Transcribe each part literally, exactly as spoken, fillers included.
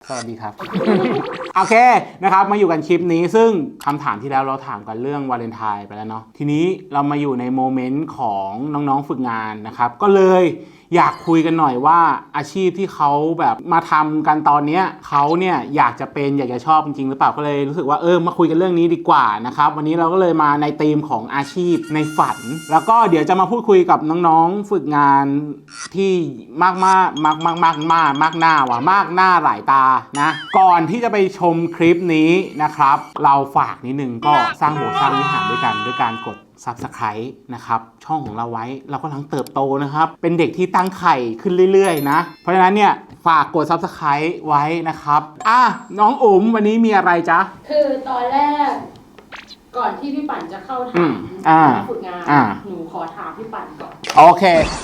สวัสดีครับ โอเคนะครับมาอยู่กันคลิปนี้ซึ่งคำถามที่แล้วเราถามกันเรื่องวาเลนไทน์ไปแล้วเนาะทีนี้เรามาอยู่ในโมเมนต์ของน้องๆฝึกงานนะครับก็เลยอยากคุยกันหน่อยว่าอาชีพที่เขาแบบมาทำกันตอนนี้เขาเนี่ยอยากจะเป็นอยากจะชอบจริงๆหรือเปล่าก็เลยรู้สึกว่าเออมาคุยกันเรื่องนี้ดีกว่านะครับวันนี้เราก็เลยมาในธีมของอาชีพในฝันแล้วก็เดี๋ยวจะมาพูดคุยกับน้องๆฝึกงานที่มากมากมากมากมากมากมากหน้าว่ะมากหน้าหลายตานะก่อนที่จะไปชมคลิปนี้นะครับเราฝากนิดนึงก็สร้างโบสถ์สร้างวิหารด้วยกันด้วยการกดSubscribe นะครับช่องของเราไว้เรากำลังเติบโตนะครับเป็นเด็กที่ตั้งไข่ขึ้นเรื่อยๆนะเพราะฉะนั้นเนี่ยฝากกด Subscribe ไว้นะครับอ่ะน้องอุ๋มวันนี้มีอะไรจ๊ะคือตอนแรกก่อนที่พี่ปั่นจะเข้าถามฝึกงานหนูขอถามพี่ปั่นก่อนโอเค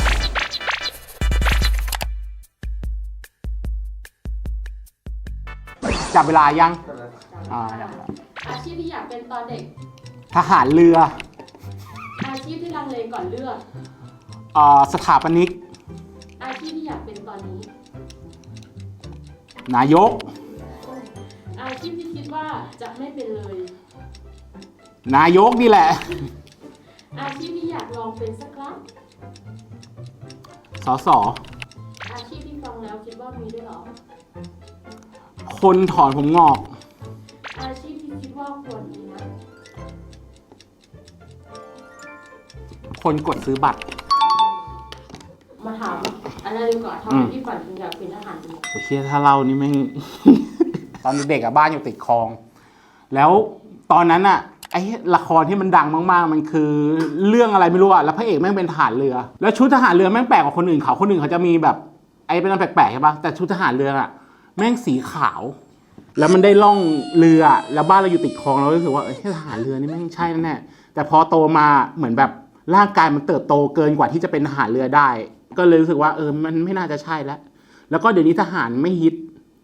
จับเวลายังอ่าอาชีพที่อยากเป็นตอนเด็กทหารเรืออาชีพที่ลังเลก่อนเลือกอ่าสถาปนิกอาชีพที่อยากเป็นตอนนี้นายกอาชีพที่คิดว่าจะไม่เป็นเลยนายกนี่แหละอาชีพที่อยากลองเป็นสักครั้งสสอาชีพที่ฟังแล้วคิดว่ามีด้วยหรอคนถอนผมงอกอาชีพที่คิดว่าควรมีนะคนกดซื้อบัตรมาถามอันนั้นดีกว่าทำไมพี่ฝันถึงอยากเป็นทหารจริงโอเคถ้าเล่านี่ไม่ ตอนเด็กๆอะบ้านอยู่ติดคลองแล้วตอนนั้นอะไอ้ละครที่มันดังมากๆมันคือเรื่องอะไรไม่รู้อะแล้วพระเอกแม่งเป็นทหารเรือแล้วชุดทหารเรือแม่งแปลกกว่าคนอื่นเขาคนอื่นเขาจะมีแบบไอ้เป็นอะไรแปลกๆใช่ปะแต่ชุดทหารเรืออะแม่งสีขาวแล้วมันได้ล่องเรือแล้วบ้านเราอยู่ติดคลองเรารู้สึกว่าเอ้ยทหารเรือนี่แม่งใช่แน่แต่พอโตมาเหมือนแบบร่างกายมันเติบโตเกินกว่าที่จะเป็นทหารเรือได้ก็เลยรู้สึกว่าเออมันไม่น่าจะใช่แล้วแล้วก็เดี๋ยวนี้ทหารไม่ฮิต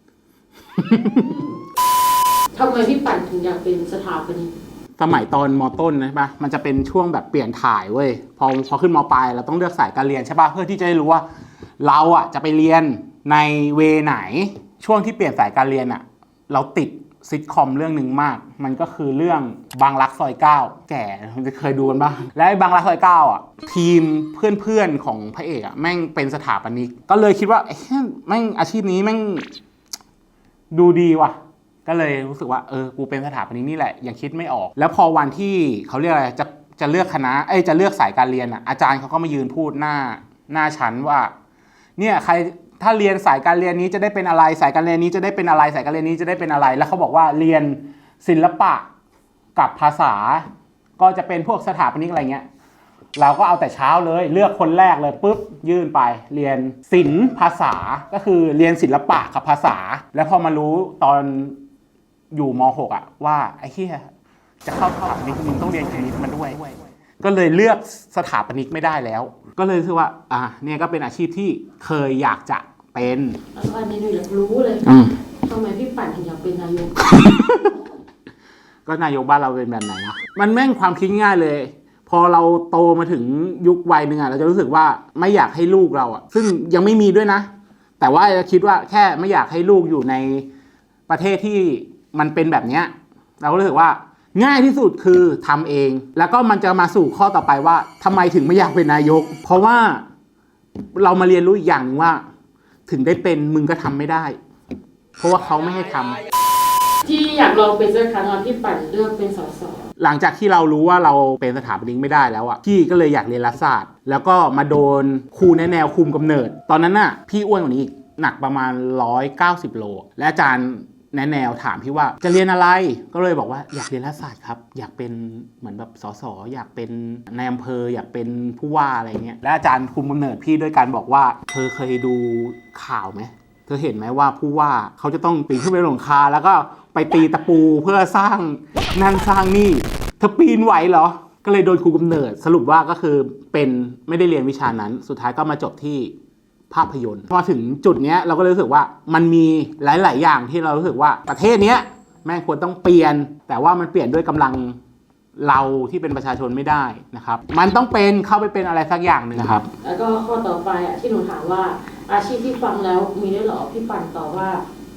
ทำไมพี่ปั่นถึงอยากเป็นสถาปนิกสมัยตอนม.ต้นนะใช่ปะมันจะเป็นช่วงแบบเปลี่ยนถ่ายเว้ยพอพอขึ้นม.ปลายเราต้องเลือกสายการเรียนใช่ปะเพื่อที่จะได้รู้ว่าเราอ่ะจะไปเรียนในเวไหนช่วงที่เปลี่ยนสายการเรียนอ่ะเราติดซิทคอมเรื่องหนึ่งมากมันก็คือเรื่องบางรักซอยเก้าแก่จะเคยดูกันบ้างและบางรักซอยเก้าอ่ะทีมเพื่อนๆของพระเอกอ่ะแม่งเป็นสถาปนิกก็เลยคิดว่าเอ๊ะแม่งอาชีพนี้แม่งดูดีว่ะก็เลยรู้สึกว่าเออกูเป็นสถาปนิกนี่แหละยังคิดไม่ออกแล้วพอวันที่เขาเรียกอะไรจะจะเลือกคณะเอ้ยจะเลือกสายการเรียนอ่ะอาจารย์เขาก็มายืนพูดหน้าหน้าชั้นว่าเนี่ยใครถ้าเรียนสายการเรียนนี้จะได้เป็นอะไรสายการเรียนนี้จะได้เป็นอะไรสายการเรียนนี้จะได้เป็นอะไรแล้วเขาบอกว่าเรียนศิลปะกับภาษาก็จะเป็นพวกสถาปนิกอะไรเงี้ยเราก็เอาแต่เช้าเลยเลือกคนแรกเลยปุ๊บยื่นไปเรียนศิลป์ภาษาก็คือเรียนศิลปะกับภาษาแล้วพอมารู้ตอนอยู่ม.หก อ่ะว่าไอ้เหี้ยจะเข้าสถาปนิกมึงต้องเรียนคณิตมาด้วยก็เลยเลือกสถาปนิกไม่ได้แล้วก็เลยรู้สึกว่าอ่ะเนี่ยก็เป็นอาชีพที่เคยอยากจะเป็นอันนี้หนูอยากรู้เลยทำไมพี่ปั่นถึงอยากเป็นนายกก็นายกบ้านเราเป็นแบบไหนนะมันแม่งความคิดง่ายเลยพอเราโตมาถึงยุควัยหนึ่งอ่ะเราจะรู้สึกว่าไม่อยากให้ลูกเราอ่ะซึ่งยังไม่มีด้วยนะแต่ว่าคิดว่าแค่ไม่อยากให้ลูกอยู่ในประเทศที่มันเป็นแบบเนี้ยเราก็รู้สึกว่าง่ายที่สุดคือทำเองแล้วก็มันจะมาสู่ข้อต่อไปว่าทำไมถึงไม่อยากเป็นนายกเพราะว่าเรามาเรียนรู้อีกอย่างนึงว่าถึงได้เป็นมึงก็ทำไม่ได้เพราะว่าเขาไม่ให้ทำที่อยากลองเป็นสักครั้งพี่ปั่นเลือกเป็นสสหลังจากที่เรารู้ว่าเราเป็นสถาปนิกไม่ได้แล้วอ่ะพี่ก็เลยอยากเรียนรัฐศาสตร์แล้วก็มาโดนครูแนแนวคุมกำเนิดตอนนั้นน่ะพี่อ้วนกว่านี้อีกหนักประมาณหนึ่งร้อยเก้าสิบโลและอาจารย์แนแนวถามพี่ว่าจะเรียนอะไรก็เลยบอกว่าอยากเรียนรัฐศาสตร์ครับอยากเป็นเหมือนแบบสสอยากเป็นนายอำเภออยากเป็นผู้ว่าอะไรเงี้ยและอาจารย์คุมกำเนิดพี่ด้วยการบอกว่าเธอเคยดูข่าวไหมเธอเห็นไหมว่าผู้ว่าเขาจะต้องปีนขึ้นไปบนหลังคาแล้วก็ไปตีตะปูเพื่อสร้างนั่นสร้างนี่เธอปีนไหวเหรอก็เลยโดนครูกำเนิดสรุปว่าก็คือเป็นไม่ได้เรียนวิชานั้นสุดท้ายก็มาจบที่ภาพยนตร์พอถึงจุดนี้เราก็รู้สึกว่ามันมีหลายๆอย่างที่เรารู้สึกว่าประเทศนี้แม่งควรต้องเปลี่ยนแต่ว่ามันเปลี่ยนด้วยกำลังเราที่เป็นประชาชนไม่ได้นะครับมันต้องเป็นเข้าไปเป็นอะไรสักอย่างหนึ่งนะครับแล้วก็ข้อต่อไปอ่ะที่หนูถามว่าอาชีพที่ฟังแล้วมีด้วยหรอพี่ปั่นตอบว่า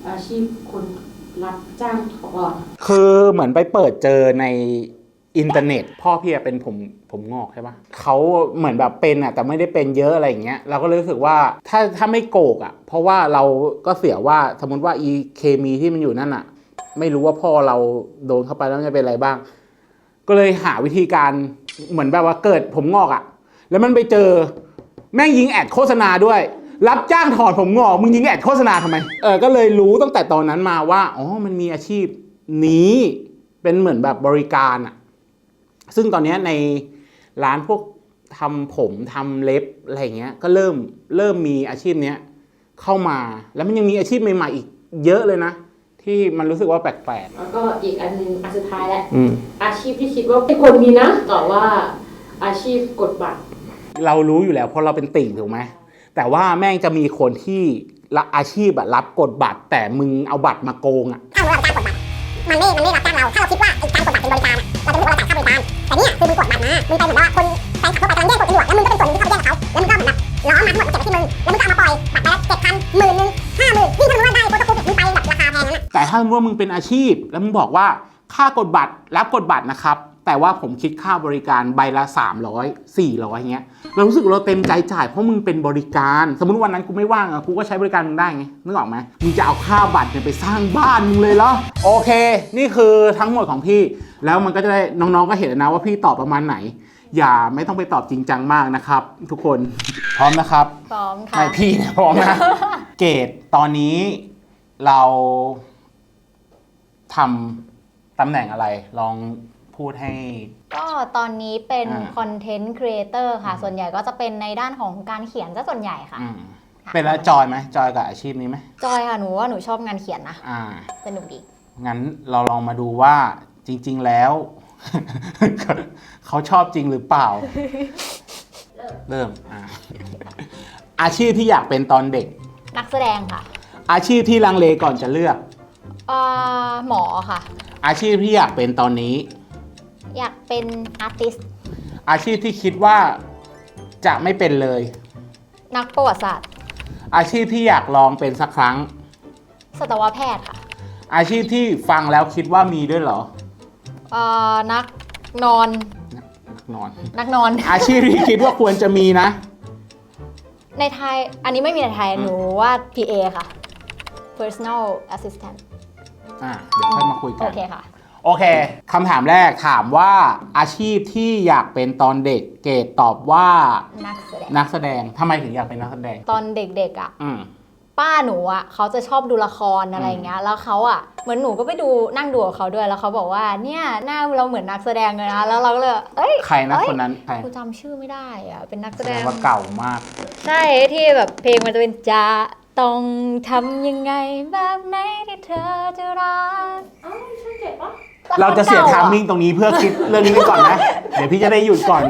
อาชีพคนรับจ้างถอนคือเหมือนไปเปิดเจอในอินเทอร์เน็ต พ่อพี่อะเป็นผมผมงอกใช่ปะเขาเหมือนแบบเป็นอ่ะแต่ไม่ได้เป็นเยอะอะไรอย่างเงี้ยเราก็เลยรู้สึกว่าถ้าถ้าไม่โกกอ่ะเพราะว่าเราก็เสียว่าสมมติว่าอีเคมีที่มันอยู่นั่นอ่ะไม่รู้ว่าพ่อเราโดนเข้าไปแล้วจะเป็นอะไรบ้าง ก็เลยหาวิธีการเหมือนแบบว่าเกิดผมงอกอ่ะแล้วมันไปเจอแม่งยิงแอดโฆษณาด้วยรับจ้างถอดผมงอกมึงยิงแอดโฆษณาทำไมเออก็เลยรู้ตั้งแต่ตอนนั้นมาว่าอ๋อมันมีอาชีพนี้เป็นเหมือนแบบบริการอ่ะซึ่งตอนนี้ในร้านพวกทำผมทำเล็บอะไรเงี้ยก็เริ่มเริ่มมีอาชีพเนี้ยเข้ามาแล้วมันยังมีอาชีพใหม่ๆอีกเยอะเลยนะที่มันรู้สึกว่าแปลกๆแล้วก็อีกอันหนึงอันสุดท้ายแล้วอืมอาชีพที่คิดว่าไม่ควรมีนะตอบว่าอาชีพกดบัตรเรารู้อยู่แล้วเพราะเราเป็นติ่งถูกไหมแต่ว่าแม่งจะมีคนที่ละอาชีพอะรับกดบัตร แต่มึงเอาบัตรมาโกงอะถ้าเราเป็นการกดบัตรมันไม่มันไม่รับจ้างเรา ถ้าเราคิดว่าไอ้การกดบัตรเป็นบริการอะเราจะรู้สึกว่าเราจ่ายค่าบริการ แต่เนี่ยคือมึงกดบัตรมา มึงไปเหมือนว่าคนแฟนคลับทั่วไปกำลังแย่งกดกันอยู่อะแล้วมึงก็เป็นส่วนหนึ่งที่เข้าไปแย่งกับเขา แล้วมึงก็เหมือนแบบล้อมมาทั้งหมดมาเก็บไว้ที่มึง แล้วมึงก็เอามาปล่อยบัตรไปแล้วเจ็ดพันหมื่นหนึ่งห้าหมื่นนี่ถ้ามึงว่าได้โปรโตคอลมึงไปแบบราคาแพงนั้นอะแต่ถ้าว่ามึงเป็นอาชีพ แล้วมึงบอกว่าค่ากดบัตรรับกดบัตรนะครับแต่ว่าผมคิดค่าบริการใบละสามร้อย สี่ร้อยเงี้ยเรารู้สึกเราเต็มใจจ่ายเพราะมึงเป็นบริการสมมติวันนั้นกูไม่ว่างอะกูก็ใช้บริการมึงได้ไงนึกออกไหมมึงจะเอาค่าบัตรเนี่ยไปสร้างบ้านมึงเลยเหรอโอเคนี่คือทั้งหมดของพี่แล้วมันก็จะได้น้องๆก็เห็นนะว่าพี่ตอบประมาณไหนอย่าไม่ต้องไปตอบจริงจังมากนะครับทุกคนพร้อมนะครับพร้อมค่ะไม่พี่เนี่ยพร้อมนะ เกรดตอนนี้เราทำตำแหน่งอะไรลองพูดให้ก็ตอนนี้เป็นอ่าคอนเทนต์ครีเอเตอร์ค่ะ ส่วนใหญ่ก็จะเป็นในด้านของการเขียนซะส่วนใหญ่ค่ะอืมเป็นแล้วจอยไหมจอยกับอาชีพนี้ไหมจอยค่ะหนูว่าหนูชอบงานเขียนนะอ่าสนุกดีงั้นเราลองมาดูว่าจริง ๆแล้ว เขาชอบจริงหรือเปล่า เริ่มอ่าอาชีพที่อยากเป็นตอนเด็กนักแสดงค่ะอาชีพที่ลังเลก่อนจะเลือกเอ่อหมอค่ะอาชีพที่อยากเป็นตอนนี้อยากเป็นอาร์ติสต์อาชีพที่คิดว่าจะไม่เป็นเลยนักประวัติศาสตร์อาชีพที่อยากลองเป็นสักครั้งสัตวแพทย์ค่ะอาชีพที่ฟังแล้วคิดว่ามีด้วยเหรอเอ่อนักนอนนักนอนนักนอนอาชีพที่คิดว่าควรจะมีนะในไทยอันนี้ไม่มีในไทยหนูว่า พี เอ ค่ะ personal assistant อ่าเดี๋ยวค่อยมาคุยกัโอน เคค่ะโอเคคำถามแรกถามว่าอาชีพที่อยากเป็นตอนเด็กเกรดตอบว่านักแสดงนักแสดงทำไมถึงอยากเป็นนักแสดงตอนเด็กๆอ่ะอืมป้าหนูอ่ะเขาจะชอบดูละครอะไรอย่างเงี้ยแล้วเขาอ่ะเหมือนหนูก็ไปดูนั่งดูกับเขาด้วยแล้วเขาบอกว่าเนี่ยหน้าเราเหมือนนักแสดงเลยนะแล้วเราก็เลยเอ้ยใครนะเอ้ยคนนั้นใครกูจำชื่อไม่ได้อ่ะเป็นนักแสแสดดงงว่าเก่ามากใช่ที่แบบเพลงมันจะเป็นจะต้องทำยังไงแบบไหนที่เธอจะรักเอ้าช่างเจ็บปะเราจะเสียลคทามก่มิ่งตรงนี้เพื่อคิดเรื่องนี้ไปก่อนนะ เดี๋ยวพี่จะได้หยุดก่อน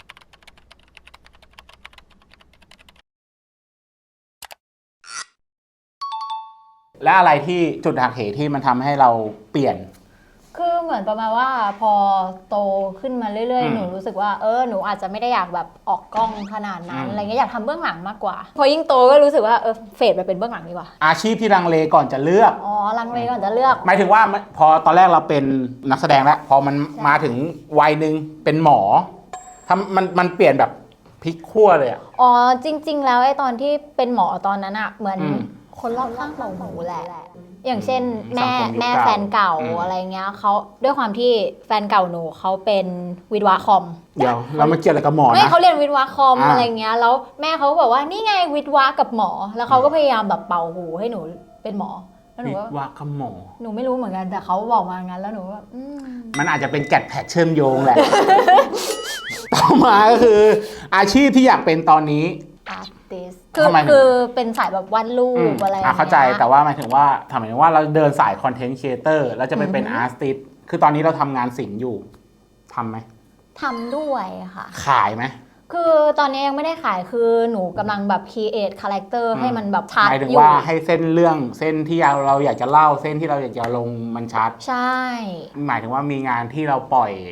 และอะไรที่จุดหักเหที่มันทำให้เราเปลี่ยนคือเหมือนประมาณว่าพอโตขึ้นมาเรื่อยอืมๆ หนูรู้สึกว่าเออหนูอาจจะไม่ได้อยากแบบออกกล้องขนาดนั้นอืมอะไรเงี้ยอยากทำเบื้องหลังมากกว่า พอยิ่งโตก็รู้สึกว่าเออเฟดไปเป็นเบื้องหลังดีกว่าอาชีพที่ลังเลก่อนจะเลือกอ๋อลังเลก่อนจะเลือกหมายถึงว่าพอตอนแรกเราเป็นนักแสดงแล้ว พอมันมาถึงวัยหนึ่งเป็นหมอทำมันมันเปลี่ยนแบบพลิกขั้วเลยอะอ๋อจริง ๆ แล้วไอ้ตอนที่เป็นหมอตอนนั้นอะเหมือนอืมคนรอบข้างเราหนูแหละ อย่างเช่นอืมแม่สังคมยุคแม่เก่าแฟนเก่าอืมอะไรเงี้ยเขาด้วยความที่แฟนเก่าหนูเขาเป็นวิศวะคอมเดี๋ยวเรามาเกี่ยวอะไรกับหมอไม่นะเขาเรียนวิศวะคอมอ่าอะไรเงี้ยแล้วแม่เขาก็บอกว่านี่ไงวิศวะกับหมอ แล้วเขาก็พยายามแบบเป่าหูให้หนูเป็นหมอแล้วหนูวิก็ศวะกับหมอหนูไม่รู้เหมือนกันแต่เขาบอกมางั้นแล้วหนูก็อืมมันอาจจะเป็นแกดแพดเชื่อมโยงแหละ ต่อมาก็คือ อาชีพที่อยากเป็นตอนนี้อาร์ติสคือทำไมถึงคือเป็นสายแบบวาดรูอืมปอะไรอ่ะเข้าใจอย่งงี้ยแต่ว่าหมายถึงว่าทำหมายถึงว่าเราเดินสายคอนเทนต์ครีเอเตอร์แล้วจะไปเป็นอือฮึอาร์ติสคือตอนนี้เราทำงานศิลป์อยู่ทำไหมทำด้วยค่ะขายไหมคือตอนนี้ยังไม่ได้ขายคือหนูกำลังแบบ create character อืมให้มันแบบชัดหมายถึงอยู่ว่าให้เส้นเรื่องเส้นที่เราเราอยากจะเล่าเส้นที่เราอยากจะลงมันชัดใช่หมายถึงว่ามีงานที่เราปล่อย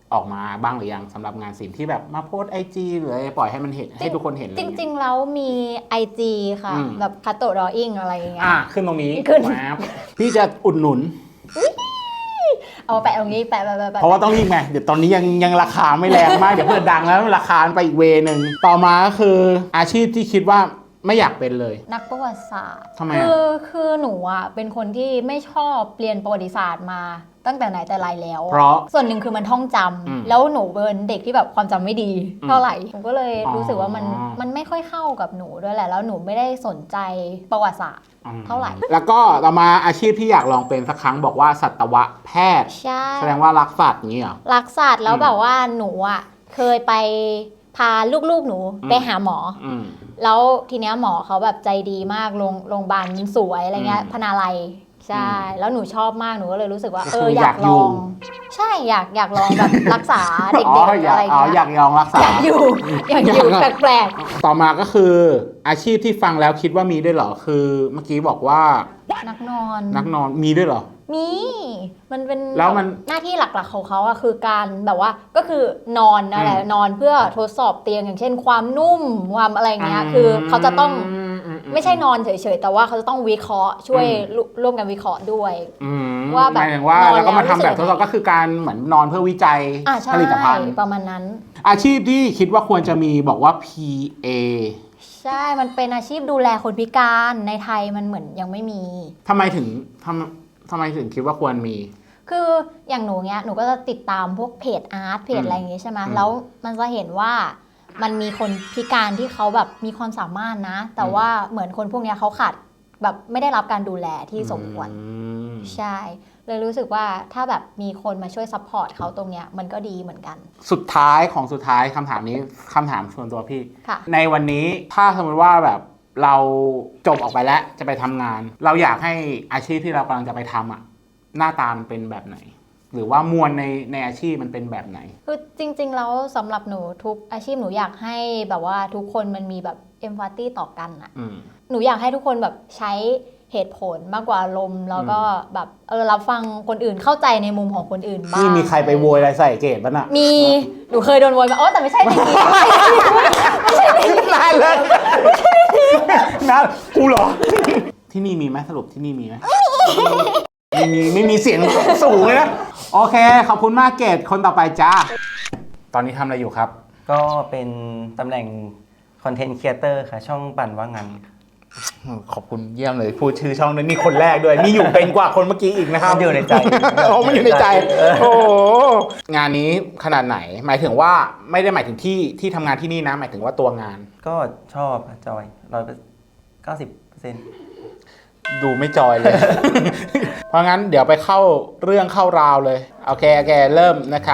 ออกมาบ้างหรือยังสำหรับงานศิลป์ที่แบบมาโพสไอจีหรืออะไรปล่อยให้มันเห็นให้ทุกคนเห็นจริงๆแล้วมี ไอ จี ค่ะ แบบคัตโตดออิ่งอะไรอย่างเงี้ยอ่ะขึ้นตรงนี้ขึ้นพี่จะอุดหนุนเอาแปะตรงนี้แปะแปะแปะแปะเพราะว่าต้องรีบไงเดี๋ยวตอนนี้ยังยังราคาไม่แรงมาก เดี๋ยวเพื่อดังแล้วราคาไปอีกเวนึงต่อมาก็คืออาชีพที่คิดว่าไม่อยากเป็นเลยนักประวัติศาสตร์ทำไมคือ่ะอคือหนูอ่ะเป็นคนที่ไม่ชอบเรียนประวัติศาสตร์มาตั้งแต่ไหนแต่ไรแล้วเพราะส่วนหนึ่งคือมันท่องจำอืมแล้วหนูเป็นเด็กที่แบบความจำไม่ดีอืมเท่าไหร่หนูก็เลยอ๋อรู้สึกว่ามันมันไม่ค่อยเข้ากับหนูด้วยแหละแล้วหนูไม่ได้สนใจประวัติศาสตร์ เท่าไหร่แล้วก็ต่อมาอาชีพที่อยากลองเป็นสักครั้งบอกว่าสัตวแพทย์ใช่แสดงว่ารักสัตว์อย่างนี้เหรอรักสัตว์แล้วอืมแบบว่าหนูอ่ะเคยไปพาลูกๆหนูอืมไปหาหมออืมแล้วทีเนี้ยหมอเขาแบบใจดีมากโรงโรงพยาบาลสวยอะไรเงี้ยอืมพนาลัยใช่อืมแล้วหนูชอบมากหนูก็เลยรู้สึกว่าก็เอคือออยากอยากอยู่ลอง ใช่อยากอยากลองแบบ รักษาเด็กอ๋อๆอยาอะกไรอ๋อเงี้ยอยากลองรักษาอยากอยู่อยากอยู่อยากแปลกต่อมาก็คืออาชีพที่ฟังแล้วคิดว่ามีด้วยเหรอคือเมื่อกี้บอกว่าๆนักนอนนักนอนมีด้วยเหรอมีมันเป็นแล้วมันหน้าที่หลักๆของเขาอะคือการแบบว่าก็คือนอนนั่นแหละอืมนอนเพื่อทดสอบเตียงอย่างเช่น ความนุ่มความอะไรเงี้ยคือเขาจะต้องมไม่ใช่นอนเฉยๆ แต่ว่าเขาจะต้องวิเคราะห์ช่วยร่วร่วมกันวิเคราะห์ด้วยอืมว่าแบบหมายถึงว่านอนแล้วก็มาแล้วทำแบบรู้ทสึดกสอบก็คือการเหมือนนอนเพื่อวิจัยอ่าใช่ผลิตภัณฑ์ประมาณนั้นอาชีพที่คิดว่าควรจะมีบอกว่า พี เอใช่ มันเป็นอาชีพดูแลคนพิการในไทยมันเหมือนยังไม่มีทำไมถึงทำทำไมถึงคิดว่าควรมีคืออย่างหนูเนี้ยหนูก็จะติดตามพวกเพจอาร์ตเพจอืมอะไรอย่างงี้ใช่ไหมอืมแล้วมันจะเห็นว่ามันมีคนพิการที่เขาแบบมีความสามารถนะ แต่อืมว่าเหมือนคนพวกเนี้ยเขาขาดแบบไม่ได้รับการดูแลที่สมควรอืมใช่ เลยรู้สึกว่าถ้าแบบมีคนมาช่วยซัพพอร์ตเขาตรงเนี้ยมันก็ดีเหมือนกันสุดท้ายของสุดท้ายคำถามนี้คำถามส่วนตัวพี่ค่ะในวันนี้ถ้าสมมติว่าแบบเราจบออกไปแล้วจะไปทำงาน เราอยากให้อาชีพที่เรากำลังจะไปทำอ่ะหน้าตามันเป็นแบบไหน หรือว่ามวลในในอาชีพมันเป็นแบบไหนคือจริงๆแล้วสำหรับหนูทุกอาชีพหนูอยากให้แบบว่าทุกคนมันมีแบบเอมพัตตีต่อกันอะอืมหนูอยากให้ทุกคนแบบใช้เหตุผลมากกว่าอารมณ์แล้วก็แบบเออรับฟังคนอื่นเข้าใจในมุมของคนอื่นบ้างนี่มีใครไปโวยอะไรใส่เกตป่ะน่ะมีหนูเคยโดนโวยมาอ๋อแต่ไม่ใช่ในนี้นานเลยนะกูเหรอ ที่นี่มีไหมสรุปที่นี่มีไหมไม่มีไม่มีเสียงสูงเลยนะ โอเค ขอบคุณมากเกตคนต่อไปจ้า ตอนนี้ทำอะไรอยู่ครับก็เป็นตำแหน่งคอนเทนต์ครีเอเตอร์ค่ะ ช่องปั่นว่างันขอบคุณเยี่ยมเลย พูดชื่อช่องนั้นนี่คนแรกด้วย นี่อยู่เป็นกว่าคนเมื่อกี้อีกนะครับมันอยู่ในใจโอ้มันอยู่ในใจ โอ้โหงานนี้ขนาดไหน หมายถึงว่าไม่ได้หมายถึงที่ที่ทำงานที่นี่นะ หมายถึงว่าตัวงานก็ชอบค่ะจอยร้อยเก้าสิบเปอร์เซ็นต์ดูไม่จอยเลย เพราะงั้นเดี๋ยวไปเข้าเรื่องเข้าราวเลย โอเคโอเคเริ่มนะคะ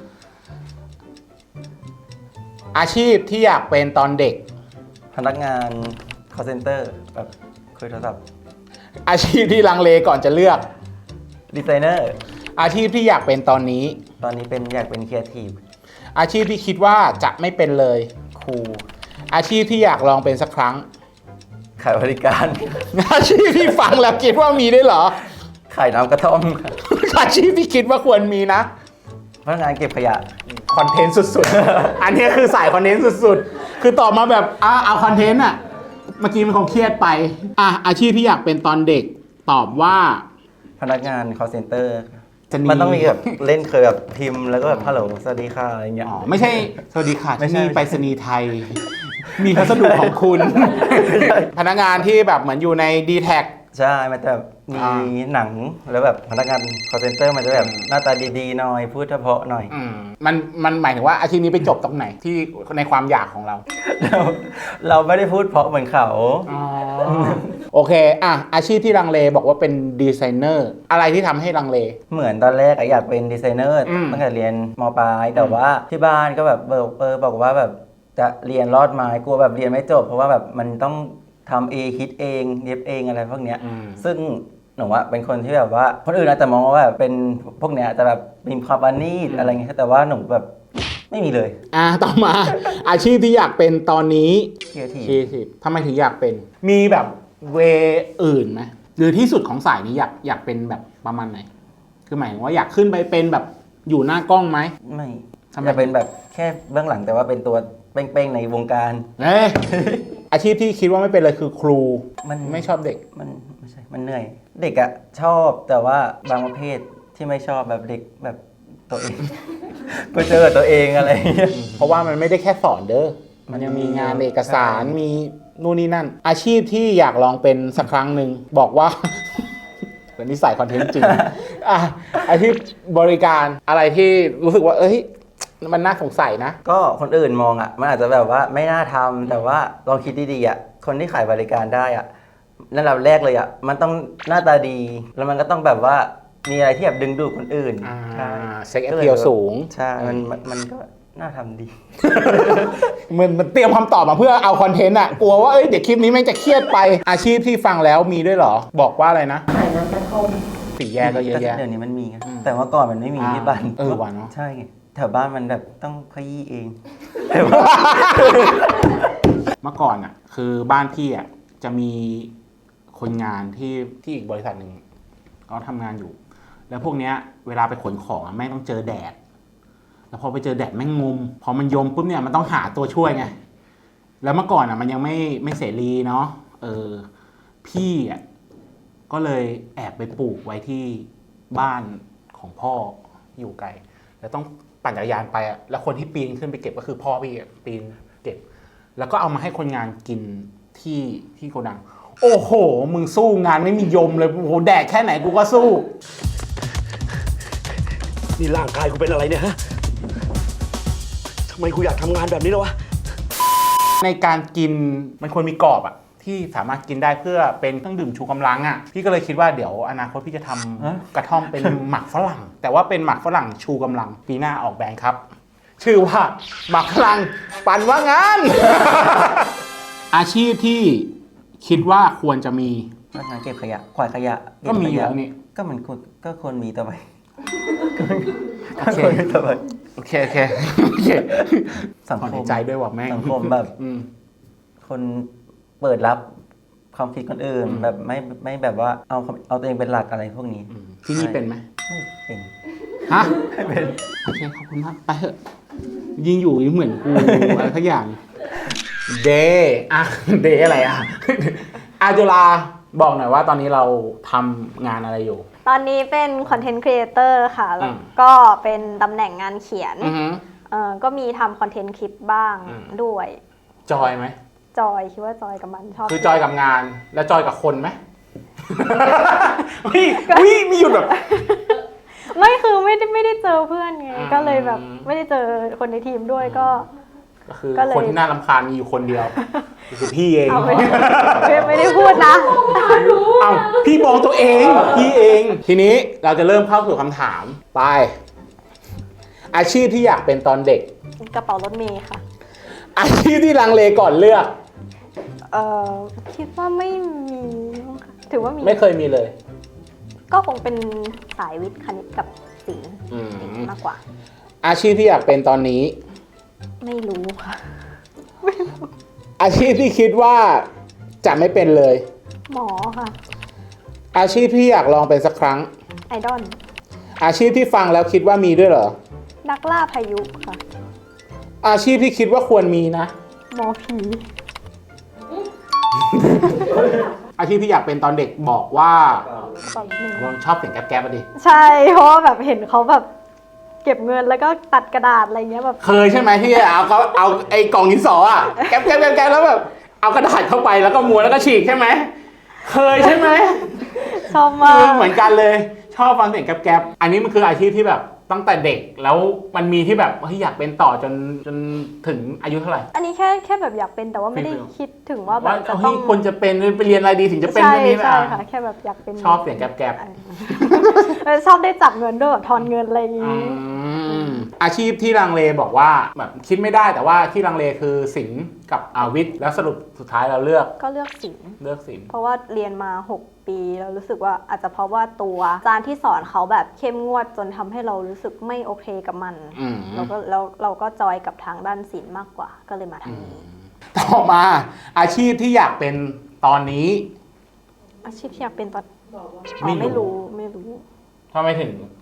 อาชีพที่อยากเป็นตอนเด็กพนักงาน call center แบบคุยโทรศัพท์อาชีพที่ลังเลก่อนจะเลือกดีไซเนอร์อาชีพที่อยากเป็นตอนนี้ตอนนี้เป็นอยากเป็นครีเอทีฟอาชีพที่คิดว่าจะไม่เป็นเลยครูอาชีพที่อยากลองเป็นสักครั้งขายบริการอาชีพที่ฟังแล้วคิดว่ามีได้วยเหรอขายน้ำกระท่อมค่ะอาชีพที่คิดว่าควรมีนะพนักงานเก็บขยะคอนเทนต์สุดๆ อันนี้คือสายคอนเทนต์สุดๆ คือตอบมาแบบอ่ะเอาคอนเทนต์อะเมื่อกี้มันคงเครียดไป อ่ะอาชีพที่อยากเป็นตอนเด็ก ตอบว่าพนักงาน call center จะมีมันต้องมีแบบเล่นเคยแบบพิมพ์แล้วก็แบบฮัลโหลสวัสดีค่ะอะไรเงี้ยอ๋อไม่ใช่ สวัสดีค่ะไม่ที่ใช่นี่ไปรษณีย์ไทย มีพัสดุของคุณ พนักงานที่แบบเหมือนอยู่ใน ดี แท็กใช่ มันจะแบบมีอ่าหนังแล้วแบบพนักงาน call center มันจะแบบหน้าตาดีๆหน่อย พูดเฉพาะหน่อยอืมมันมันหมายถึงว่าอาชีพนี้ไปจบตรงไหนที่ในความอยากของเราเราเราไม่ได้พูดเพราะเหมือนเขาอ๋อ โอเค อ่ะ อาชีพที่ลังเลบอกว่าเป็นดีไซเนอร์ อะไรที่ทำให้ลังเลเหมือนตอนแรกอะอยากเป็นดีไซเนอร์อืมตั้งแต่เรียนมปลายแต่ว่าที่บ้านก็แบบเออเออบอกว่าแบบจะเรียนรอดไหมกลัวแบบเรียนไม่จบ เพราะว่าแบบมันต้องทำเองคิดเองเย็บเองอะไรพวกเนี้ยอืมซึ่งหนูว่าเป็นคนที่แบบว่าคนอื่นอาจจะมองว่าแบบเป็นพวกเนี้ยจะแบบมีความปราณีตอะไรเงี้ยแต่ว่าหนูแบบไม่มีเลยอ่ะ ต่อมา อาชีพที่อยากเป็นตอนนี้ครีเอทีฟครีเอทีฟทำไมถึงอยากเป็น มีแบบเวอื่นไหมหรือที่สุดของสายนี้อยากอยากเป็นแบบประมาณไหน คือหมายถึงว่าอยากขึ้นไปเป็นแบบอยู่หน้ากล้องไหมไม่ทำไมจะเป็นแบบแค่เบื้องหลังแต่ว่าเป็นตัวเป้งๆในวงการเอ้ย อาชีพที่คิดว่าไม่เป็นเลยคือครูมันไม่ชอบเด็กมันไม่ใช่ มันเหนื่อย เด็กอะชอบแต่ว่าบางประเภทที่ไม่ชอบแบบเด็กแบบตัวเอง ก็เจอตัวเองอะไรอย่างเงี้ยเพราะว่ามันไม่ได้แค่สอนเด้อ มันยังมีงานเอกสารใช่มีนู่นนี่นั่น อาชีพที่อยากลองเป็นสักครั้งหนึ่งบอกว่า เป็นนิสัยคอนเทนต์จริง อ่ะอาชีพบริการอะไรที่รู้สึกว่า เอ้ย มันน่าสงสัยนะก็คนอื่นมองอะมันอาจจะแบบว่าไม่น่าทำแต่ว่าลองคิดดีๆอะคนที่ขายบริการได้อะระดับแรกเลยอะมันต้องหน้าตาดี แล้วมันก็ต้องแบบว่ามีอะไรที่แบบดึงดูดคนอื่นอ่าใช่เซ็กแอพเพียลสูงใช่มันมันมันก็น่าทำดีมันมันเตรียมคำตอบมาเพื่อเอาคอนเทนต์อะกลัวว่าเอ้ยเดี๋ยวคลิปนี้แม่งจะเครียดไป อาชีพที่ฟังแล้วมีด้วยเหรอ บอกว่าอะไรนะขายน้ำกระท่อมสี่แยกก็เยอะแยะเดี๋ยวนี้มันมีไงอืมแต่ว่าก่อนมันไม่มีอ่าที่บ้านเออว่ะเนอะใช่ไงแถวบ้านมันแบบต้องขยี้เองเมื่อก่อนอ่ะ คือบ้านพี่อ่ะจะมีคนงานที่ที่อีกบริษัทหนึ่งเขาทำงานอยู่ แล้วพวกเนี้ยเวลาไปขนของอ่ะแม่งต้องเจอแดด แล้วพอไปเจอแดดแม่งงมพอมันยมปุ๊บเนี่ยมันต้องหาตัวช่วยไงแล้วเมื่อก่อนอ่ะมันยังไม่ไม่เสรีเนาะเออพี่อ่ะก็เลยแอบไปปลูกไว้ที่บ้านของพ่ออยู่ไกลแล้วต้องปั่นจักรยานไปอ่ะแล้วคนที่ปีนขึ้นไปเก็บก็คือพ่อพี่อ่ะปีนเก็บ แล้วก็เอามาให้คนงานกินที่ที่โกดัง โอ้โห มึงสู้งานไม่มียมเลย โอ้โห แดกแค่ไหนกูก็สู้นี่ร่างกายกูเป็นอะไรเนี่ยฮะ ทำไมกูอยากทำงานแบบนี้แล้ววะในการกินมันควรมีกรอบอะที่สามารถกินได้เพื่อเป็นเครื่องดื่มชูกำลังอะพี่ก็เลยคิดว่าเดี๋ยวอนาคตพี่จะทำกระท่อมเป็นหมักฝรั่ง แต่ว่าเป็นหมักฝรั่งชูกำลัง ปีหน้าออกแบรนด์ครับ ชื่อว่าหมักฝรั่งปั่นว่างาน อาชีพที่คิดว่าควรจะมีพนักงานเก็บขยะขวายขยะเบก็มีขอยู่ยะแล้วนี่ก็มันควรก็ควรมีต่อไปโอก็เคควรมีต่อไปโอเคโอเคโอเคสังขอคในมใจด้วยว่ะแม่งสังคมแบบอืมคนเปิดรับความคิดคนอื่นอืมแบบไม่ไม่แบบว่าเอาความเอาตัวเองเป็นหลักอะไรพวกนี้อืมที่นี่เป็นไหมไม่เป็นฮะไม่เป็นโอเคขอบคุณมากไปเถอะยิงอยู่ยิ่งเหมือนกู อะไรทักอย่างเดอะเดอะไรอ่ะ อาจุฬาบอกหน่อยว่าตอนนี้เราทำงานอะไรอยู่ตอนนี้เป็นคอนเทนต์ครีเอเตอร์ค่ะ แล้วอืมก็เป็นตำแหน่งงานเขียนอือฮึเออก็มีทำคอนเทนต์คลิปบ้างอืมด้วยจอยไหมจอยคิดว่าจอยกับมันชอบคือจอยกับงานแล้วจอยกับคนไหม พี่พี่มีหยุดแบบไม่คือไม่ได้ไม่ได้เจอเพื่อนไงอืมก็เลยแบบไม่ได้เจอคนในทีมด้วยก็ก็คือก็เลยคนที่น่ารำคาญมีอยู่คนเดียวคือพี่เองเอาไม่ไม่ไม่ได้พูดนะเอ้าพี่มองตัวเอง พี่เอง ทีนี้เราจะเริ่มเข้าสู่คำถามไป อาชีพที่อยากเป็นตอนเด็กกระเป๋ารถเมย์ค่ะอาชีพที่ลังเลก่อนเลือกเออคิดว่าไม่มีมั้งค่ะถือว่ามีไม่เคยมีเลยก็คงเป็นสายวิทย์คณิตกับศิลป์อืมมากกว่าอาชีพที่อยากเป็นตอนนี้ไม่รู้ค่ะอาชีพที่คิดว่าจะไม่เป็นเลยหมอค่ะอาชีพที่อยากลองเป็นสักครั้งไอดอลอาชีพที่ฟังแล้วคิดว่ามีด้วยเหรอนักล่าพายุค่ะอาชีพที่คิดว่าควรมีนะหมอผีอาชีพที่อยากเป็นตอนเด็กบอกว่าตอนนี้ผมชอบเสียงแก๊บๆอะดิใช่เพราะว่าแบบเห็นเขาแบบเก็บเงินแล้วก็ตัดกระดาษอะไรเงี้ยแบบเคยใช่ไหมที่เอาเขาเอาไอ้กล่องดินสออะแก๊บแก๊บแก๊บแก๊บแล้วแบบเอากระดาษเข้าไปแล้วก็ม้วนแล้วก็ฉีกใช่ไหมเคยใช่ไหมชอบมาคือก เหมือนกันเลยชอบฟังเสียงแก๊บๆอันนี้มันคืออาชีพที่แบบตั้งแต่เด็กแล้วมันมีที่แบบเฮ้ยอยากเป็นต่อจนจนถึงอายุเท่าไหร่อันนี้แค่แค่แบบอยากเป็นแต่ว่าไม่ได้ไม่เป็นคิดถึงว่าแบว่าบจะเฮ้ต้อย งควรจะเป็นไปเรียนอะไรดีถึงจะเป็นใช่เรื่องนี้ใช่นะค่ะแค่แบบอยากเป็นชอบเสียงแก๊บเออชอบได้จับเงินด้วยแบบทอนเงินอะไรอย่างๆงี้อืมอาชีพที่ลังเลบอกว่าแบบคิดไม่ได้แต่ว่าที่ลังเลคือศิลป์กับอาวิทย์แล้วสรุปสุดท้ายเราเลือกก็เลือกศิลป์เลือกศิลป์เพราะว่าเรียนมาหกปีแล้วรู้สึกว่าอาจจะเพราะว่าตัวอาจารย์ที่สอนเขาแบบเข้มงวดจนทำให้เรารู้สึกไม่โอเคกับมันอืมเราก็แล้วเราก็จอยกับทางด้านศิลป์มากกว่าก็เลยมาทางนี้ต่อมาอาชีพที่อยากเป็นตอนนี้อาชีพที่อยากเป็นตอนบอกว่าอ๋อไม่ไม่รู้รู้ไม่รู้ทำไมถึง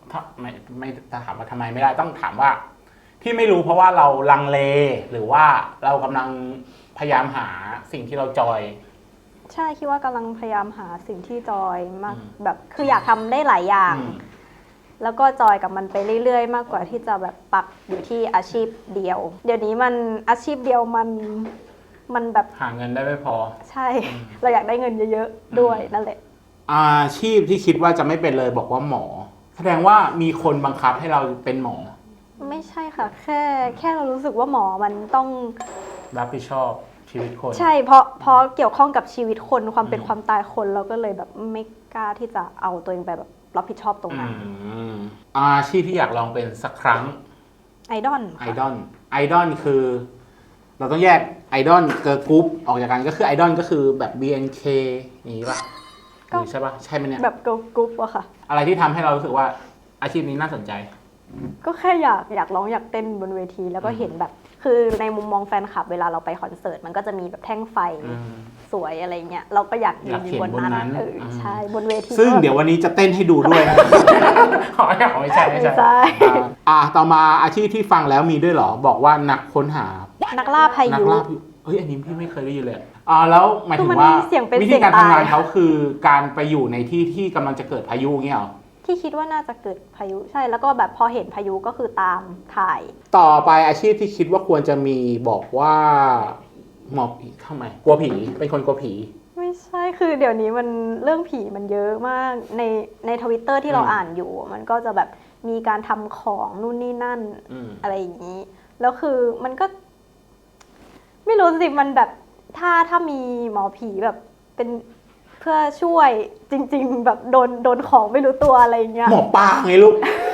ถ้าไม่ไม่ถามว่าทำไมไม่ได้ต้องถามว่าที่ไม่รู้เพราะว่าเราลังเลหรือว่าเรากำลังพยายามหาสิ่งที่เราจอยใช่คิดว่ากำลังพยายามหาสิ่งที่จอยมากอืมแบบคืออยากทำได้หลายอย่างอืมแล้วก็จอยกับมันไปเรื่อยๆ มากกว่าที่จะแบบปักอยู่ที่อาชีพเดียว เดี๋ยวนี้มันอาชีพเดียวมันมันแบบหาเงินได้ไม่พอใช่ เราอยากได้เงินเยอะๆด้วยนั่นแหละอาชีพที่คิดว่าจะไม่เป็นเลยบอกว่าหมอ แสดงว่ามีคนบังคับให้เราเป็นหมอไม่ใช่ค่ะ แค่แค่เรารู้สึกว่าหมอมันต้องรับผิดชอบชีวิตคนใช่เพราะเพราะเกี่ยวข้องกับชีวิตคนความเป็นอืมความตายคนเราก็เลยแบบไม่กล้าที่จะเอาตัวเองไปแบบรับผิดชอบตรงอืนั้นมอาชีพที่อยากลองเป็นสักครั้งไอดอลไอดอลไอดอลคือ เราต้องแยกไอดอลเกิร์ลกรุ๊ปออกจากกันก็คือไอดอลก็คือแบบ บี เอ็น เค อย่างนี้ป่ะหรือใช่ป่ะใช่ไหมเนี่ยแบบเกิร์ลกรุ๊ปอะค่ะอะไรที่ทำให้เรารู้สึกว่าอาชีพนี้น่าสนใจก็แค่อยากอยากร้องอยากเต้นบนเวทีแล้วก็เห็นแบบ คือในมุมมองแฟนคลับเวลาเราไปคอนเสิร์ตมันก็จะมีแบบแท่งไฟอืมสวยอะไรเงี้ยเราก็อยากยือยากนอเห็ยู่นบนนั้นบนนั้นเอออมใช่บนเวทีซึ่งก็เดี๋ยววันนี้จะเต้นให้ดูด้วยนะ อ๋อไม่ใช่ไม่ใช่ไม่ใช่อ่าอ่าต่อมาอาชีพที่ฟังแล้วมีด้วยเหรอ บอกว่านักค้นหานักล่าพานักยุล่าพายุเฮ้ยอันนี้พี่ไม่เคยได้ยินเลยอ่าแล้วหมายถึคืงอมันว่ามีเสียงเป็นวิเสีธียงการทำงานตายเขาคือการไปอยู่ในที่ที่กำลังจะเกิดพายุเงี้ยเหรอที่คิดว่าน่าจะเกิดพายุใช่แล้วก็แบบพอเห็นพายุก็คือตามถ่ายต่อไปอาชีพที่คิดว่าควรจะมีบอกว่าหมอผีทำไมกลัวผีเป็นคนกลัวผีไม่ใช่คือเดี๋ยวนี้มันเรื่องผีมันเยอะมากในในทวิตเตอร์ที่เราอืมอ่านอยู่ มันก็จะแบบมีการทำของนู่นนี่นั่นอืมอะไรอย่างนี้ แล้วคือมันก็ ไม่รู้สิมันแบบถ้าถ้ามีหมอผีแบบเป็นเพื่อช่วยจริง ๆ แบบโดนโดนของไม่รู้ตัวอะไรอย่างเงี้ยหมอปลาไงลูก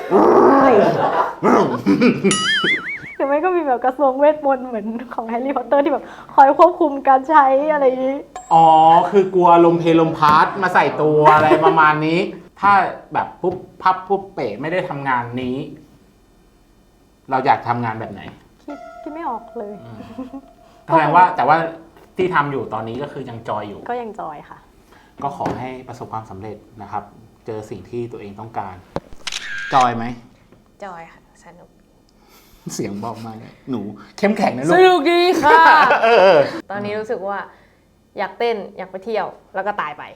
หรือไม่ก็มีแบบกระทรวงเวทมนต์เหมือนของแฮร์รี่พอตเตอร์ที่แบบคอยควบคุมการใช้อะไรอย่างนี้อ๋อ คือกลัวลมเพลลมพัดมาใส่ตัวอะไรประมาณนี้ ถ้าแบบปุ๊บพับปุ๊บเป๋ไม่ได้ทำงานนี้ เราอยากทำงานแบบไหนคิดคิดไม่ออกเลยแสดงว่าแต่ว่าที่ทำอยู่ตอนนี้ก็คือยังจอยอยู่ก็ยังจอยค่ะก็ขอให้ประสบความสำเร็จนะครับ เจอสิ่งที่ตัวเองต้องการ จอยไหมจอยค่ะ สนุกเสียงบอกมาเนี่ยหนูเข้มแข็งนะลูสกนุกดีค่ะเออตอนนี้รู้สึกว่า อยากเต้นอยากไปเที่ยวแล้วก็ตายไป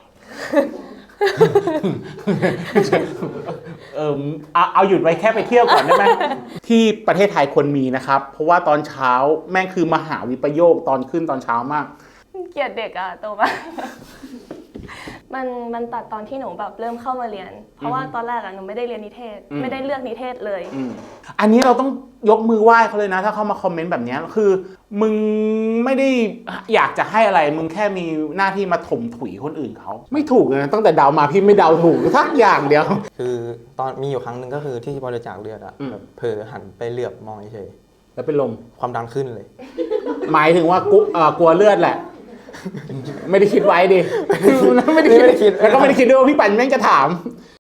เออเอาเอาหยุดไว้แค่ไปเที่ยวก่อนได้ไหม ที่ประเทศไทยควรมีนะครับ เพราะว่าตอนเช้าแม่งคือมหาวิปโยคตอนขึ้นตอนเช้ามากเกลียดเด็กอะโตมา มันมันตัดตอนที่หนูแบบเริ่มเข้ามาเรียน เพราะว่าตอนแรกอะหนูไม่ได้เรียนนิเทศอืมไม่ได้เลือกนิเทศเลยอืมอันนี้เราต้องยกมือไหว้เขาเลยนะ ถ้าเขามาคอมเมนต์แบบเนี้ยคือ มึงไม่ได้อยากจะให้อะไร มึงแค่มีหน้าที่มาถมถุยคนอื่นเขาไม่ถูกเลยนะตั้งแต่เดามาพี่ไม่เดาถูกทักอย่างเดียวคือตอนมีอยู่ครั้งหนึ่งก็คือที่บริจาคเลือดอะอืมแบบเผลอหันไปเหลือบมองเฉยแล้วเป็นลมๆความดันขึ้นเลยหมายถึงว่ากูเอ่อกลัวเลือดแหละ ไม่ได้คิดไว้ดิ ไม่ได้คิดแล้วก็ไม่ได้คิดด้วยว่าพี่ปันแม่งจะถาม